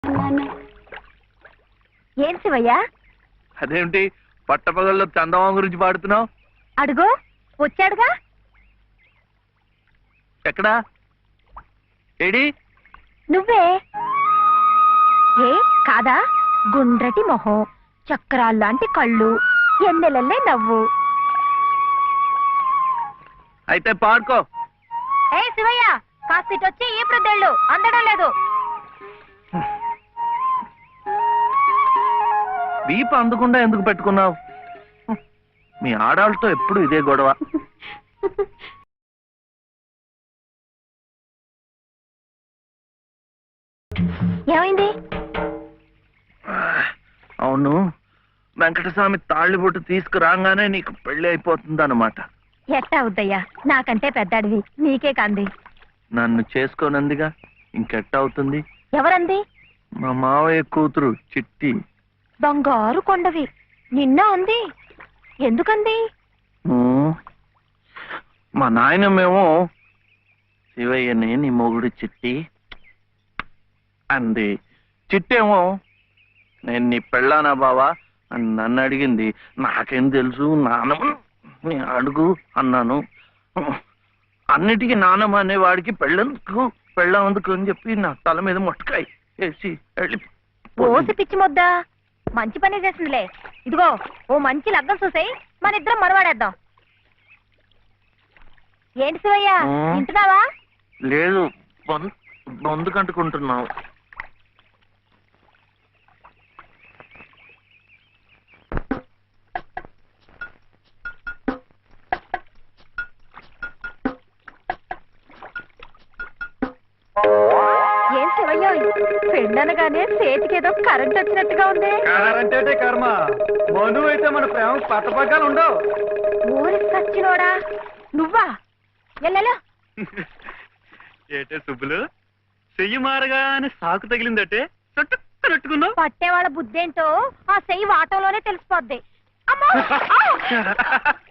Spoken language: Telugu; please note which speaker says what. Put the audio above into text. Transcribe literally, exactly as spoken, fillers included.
Speaker 1: ఏం శివయ్యా?
Speaker 2: అదేమిటి పట్టపగల్లో చందమామ గురించి పాడుతున్నావు?
Speaker 1: అడుగు వచ్చాడుగా.
Speaker 2: ఎక్కడా? ఏడి?
Speaker 1: నువ్వే. ఏ కాదా? గుండ్రటి మొహం, చక్రాల్లాంటి కళ్ళు, ఎన్నెలల్లే నవ్వు.
Speaker 2: అయితే పాడుకో.
Speaker 1: ఏ శివయ్య, కాస్త వచ్చి ఈ ప్రద్దెళ్ళు అందడం లేదు.
Speaker 2: వీపు అందకుండా ఎందుకు పెట్టుకున్నావు? మీ ఆడాళ్ళతో ఎప్పుడు ఇదే గొడవ.
Speaker 1: ఏమైంది?
Speaker 2: అవును, వెంకటస్వామి తాళ్ళిబొట్టు తీసుకురాగానే నీకు పెళ్లి అయిపోతుంది అన్నమాట.
Speaker 1: ఎట్టా అవుద్దయ్యా, నాకంటే పెద్దాడివి, నీకే కంది.
Speaker 2: నన్ను చేసుకోనందిగా, ఇంకెట్ట అవుతుంది?
Speaker 1: ఎవరంది?
Speaker 2: మా మావయ్య కూతురు చిట్టి.
Speaker 1: బంగారు కొండవి, నిన్న అంది. ఎందుకంది?
Speaker 2: ఉమ్, మా నాయనమేమో శివయ్యని నీ మొగుడు చిట్టి అంది. చిట్టేమో నేను నీ పెళ్ళానా బావా అని నన్ను అడిగింది. నాకేం తెలుసు, నానమ్మ నీ అడుగు అన్నాను. అన్నిటికీ నానమ్మ అనేవాడికి పెళ్ళందుకు పెళ్ళందుకు అని చెప్పి నా తల మీద మొట్టకాయ వేసి వెళ్ళి
Speaker 1: ఓసి పిచ్చి మొద్దా, మంచి పని చేసిందిలే. ఇదిగో ఓ మంచి లగ్గం చూసాయి, మన ఇద్దరం మరవాడేద్దాం. ఏంటి శివయ్య, వింటున్నావా?
Speaker 2: లేదు, బొందు కంటుకుంటున్నావు.
Speaker 1: ఏం శివయ్య, పెండనగానే చేతికి ఏదో కరెంట్ వచ్చినట్టుగా ఉంది.
Speaker 3: కరెంట్ కర్మ, మను అయితే మన ప్రేమ పట్టపగ్గాలు ఉండవు.
Speaker 1: ఊరి సచ్చినోడా నువ్వా? ఎల్లెలో
Speaker 3: ఏటే సుబ్బులు, చెయ్యి మారగానే సాకు తగిలిందటే చుట్టుకున్నట్టుకున్నావు.
Speaker 1: పట్టేవాళ్ళ బుద్ధేంటో ఆ చెయ్యి వాటంలోనే తెలిసిపోద్ది. అమ్మో!